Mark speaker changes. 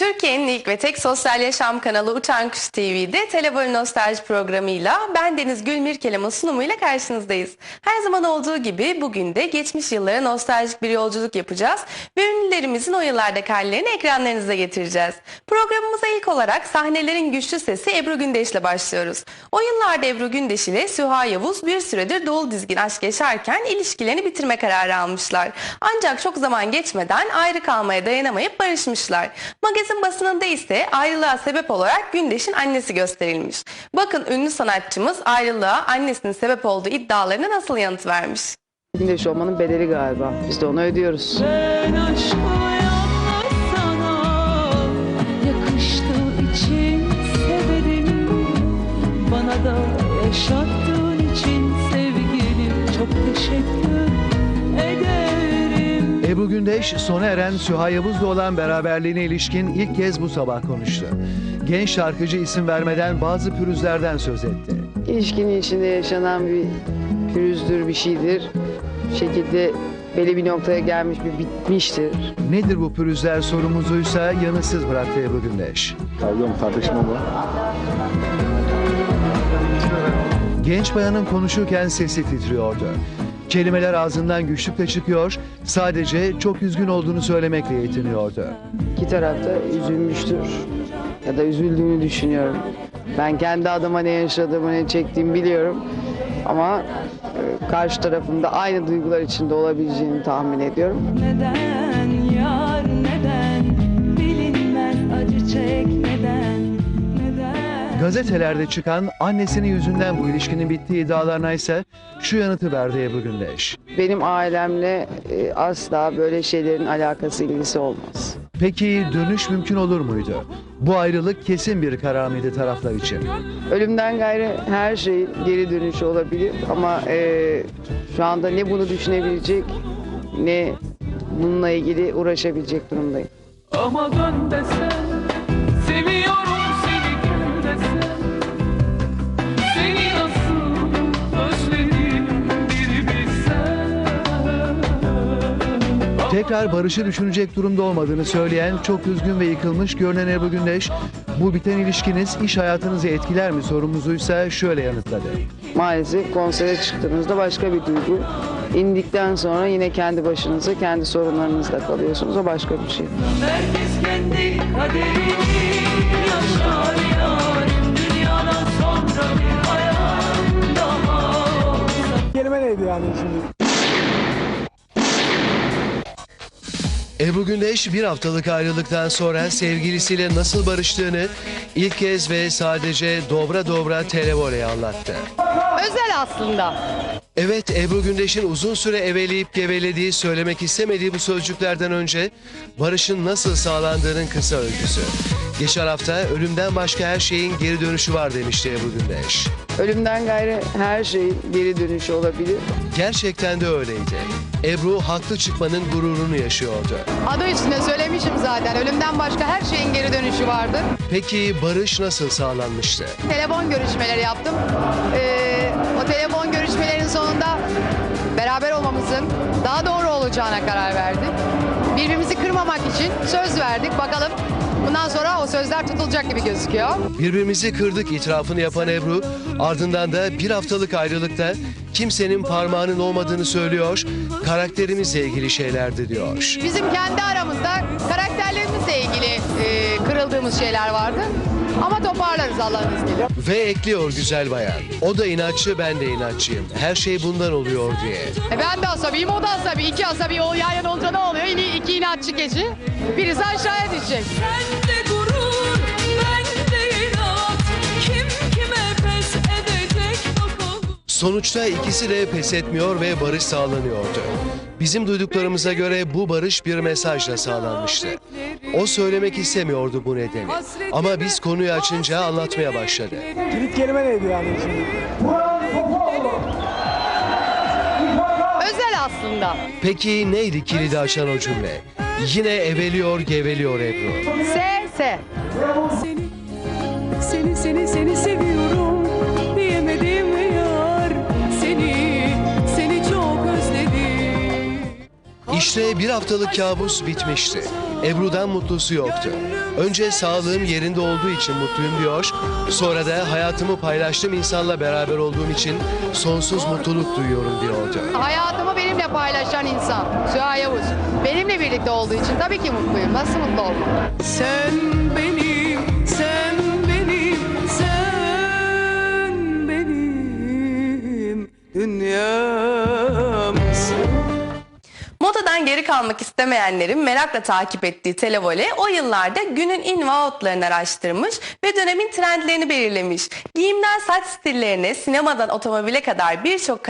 Speaker 1: Türkiye'nin ilk ve tek sosyal yaşam kanalı Uçan Kuş TV'de Telebol Nostalji programıyla ben Deniz Gülmirkelam'ın sunumuyla karşınızdayız. Her zaman olduğu gibi bugün de geçmiş yıllara nostaljik bir yolculuk yapacağız ve ünlülerimizin o yıllardaki hallerini ekranlarınıza getireceğiz. Programımıza ilk olarak sahnelerin güçlü sesi Ebru Gündeş'le başlıyoruz. O yıllarda Ebru Gündeş ile Süha Yavuz bir süredir dolu dizgin aşk yaşarken ilişkilerini bitirme kararı almışlar. Ancak çok zaman geçmeden ayrı kalmaya dayanamayıp barışmışlar. Magazin basınında ise ayrılığa sebep olarak Gündeş'in annesi gösterilmiş. Bakın ünlü sanatçımız ayrılığa annesinin sebep olduğu iddialarına nasıl yanıt vermiş.
Speaker 2: Gündeş olmanın bedeli galiba. Biz de onu ödüyoruz.
Speaker 3: Ben aşkı yalnız sana yakıştığı için severim. Bana da yaşattığın için sevgilim çok teşekkür ederim.
Speaker 4: Ebru Gündeş, sona eren Süha Yavuz'la olan beraberliğine ilişkin ilk kez bu sabah konuştu. Genç şarkıcı isim vermeden bazı pürüzlerden söz etti.
Speaker 2: İlişkinin içinde yaşanan bir pürüzdür, bir şeydir. Bir şekilde belli bir noktaya gelmiş, bir bitmiştir.
Speaker 4: Nedir bu pürüzler sorumuzuysa yanıtsız bıraktı Ebru Gündeş.
Speaker 5: Pardon, tartışma mı?
Speaker 4: Genç bayanın konuşurken sesi titriyordu. Kelimeler ağzından güçlükle çıkıyor, sadece çok üzgün olduğunu söylemekle yetiniyordu.
Speaker 2: İki taraf da üzülmüştür ya da üzüldüğünü düşünüyorum. Ben kendi adıma ne yaşadığımı, ne çektiğimi biliyorum. Ama karşı tarafında aynı duygular içinde olabileceğini tahmin ediyorum.
Speaker 3: Neden yar neden bilinmez acı çek neden.
Speaker 4: Gazetelerde çıkan annesinin yüzünden bu ilişkinin bittiği iddialarına ise şu yanıtı verdi Ebru Gündeş.
Speaker 2: Benim ailemle asla böyle şeylerin alakası, ilgisi olmaz.
Speaker 4: Peki dönüş mümkün olur muydu? Bu ayrılık kesin bir karar mıydı taraflar için?
Speaker 2: Ölümden gayrı her şeyin geri dönüşü olabilir ama şu anda ne bunu düşünebilecek ne bununla ilgili uğraşabilecek durumdayım.
Speaker 3: Ama dön desen seviyorum seni gel desen seni nasıl özledim bir bilsen.
Speaker 4: Tekrar barışı düşünecek durumda olmadığını söyleyen, çok üzgün ve yıkılmış görünen Ebru Gündeş, bu biten ilişkiniz iş hayatınızı etkiler mi sorumuzuysa şöyle yanıtladı.
Speaker 2: Maalesef konsere çıktığınızda başka bir duygu. İndikten sonra yine kendi başınıza, kendi sorunlarınızla kalıyorsunuz. O başka bir şey.
Speaker 3: Herkes kendi kaderini yaşar yarim dünyadan sonra bir hayat daha olsa.
Speaker 6: Kelime neydi yani şimdi?
Speaker 4: Ebru Gündeş bir haftalık ayrılıktan sonra sevgilisiyle nasıl barıştığını ilk kez ve sadece dobra dobra televoleye anlattı.
Speaker 7: Özel aslında.
Speaker 4: Evet, Ebru Gündeş'in uzun süre eveleyip gevelediği, söylemek istemediği bu sözcüklerden önce barışın nasıl sağlandığının kısa öyküsü. Geçen hafta ölümden başka her şeyin geri dönüşü var demişti Ebru Gündeş.
Speaker 2: Ölümden gayrı her şeyin geri dönüşü olabilir.
Speaker 4: Gerçekten de öyleydi. Ebru haklı çıkmanın gururunu yaşıyordu.
Speaker 7: Adı üstünde söylemişim zaten. Ölümden başka her şeyin geri dönüşü vardır.
Speaker 4: Peki barış nasıl sağlanmıştı?
Speaker 7: Telefon görüşmeleri yaptım. O telefon görüşmelerin sonunda beraber olmamızın daha doğru olacağına karar verdik. Birbirimizi kırmamak için söz verdik. Bakalım bundan sonra o sözler tutulacak gibi gözüküyor.
Speaker 4: Birbirimizi kırdık itirafını yapan Ebru, ardından da bir haftalık ayrılıkta kimsenin parmağının olmadığını söylüyor, karakterimizle ilgili şeylerdi diyor.
Speaker 7: Bizim kendi aramızda karakterlerimizle ilgili kırıldığımız şeyler vardı. Ama toparlarız Allah'ın izniyle.
Speaker 4: Ve ekliyor güzel bayan, o da inatçı ben de inatçıyım, her şey bundan oluyor diye.
Speaker 7: Ben de asabiyim, o da asabi. İki asabi o yan yana olunca ne oluyor? Yine iki inatçı keçi. Birisi aşağıya düşecek.
Speaker 3: Sende gurur, bende inat. Kim kime pes edecek bakalım.
Speaker 4: Sonuçta ikisi de pes etmiyor ve barış sağlanıyordu. Bizim duyduklarımıza göre bu barış bir mesajla sağlanmıştı. O söylemek istemiyordu bu nedeni. Ama biz konuyu açınca anlatmaya başladı.
Speaker 6: Kilit kelime neydi yani şimdi?
Speaker 7: Özel aslında.
Speaker 4: Peki neydi kilidi açan o cümle? Yine eveliyor geveliyor Ebru.
Speaker 7: S.
Speaker 3: Seni seviyorum diyemedim yar. Seni çok özledim.
Speaker 4: İşte bir haftalık kabus bitmişti. Ebru'dan mutlusu yoktu. Önce sağlığım yerinde olduğu için mutluyum diyor. Sonra da hayatımı paylaştığım insanla beraber olduğum için sonsuz mutluluk duyuyorum diyordu.
Speaker 7: Hayatımı benimle paylaşan insan Süha Yavuz. Benimle birlikte olduğu için tabii ki mutluyum. Nasıl mutlu olmam?
Speaker 3: Sen benim, sen benim, sen benim dünyamsın.
Speaker 1: Modadan geri kalmak istemeyenlerin merakla takip ettiği Televole o yıllarda günün in ve outlarını araştırmış ve dönemin trendlerini belirlemiş. Giyimden saç stillerine, sinemadan otomobile kadar birçok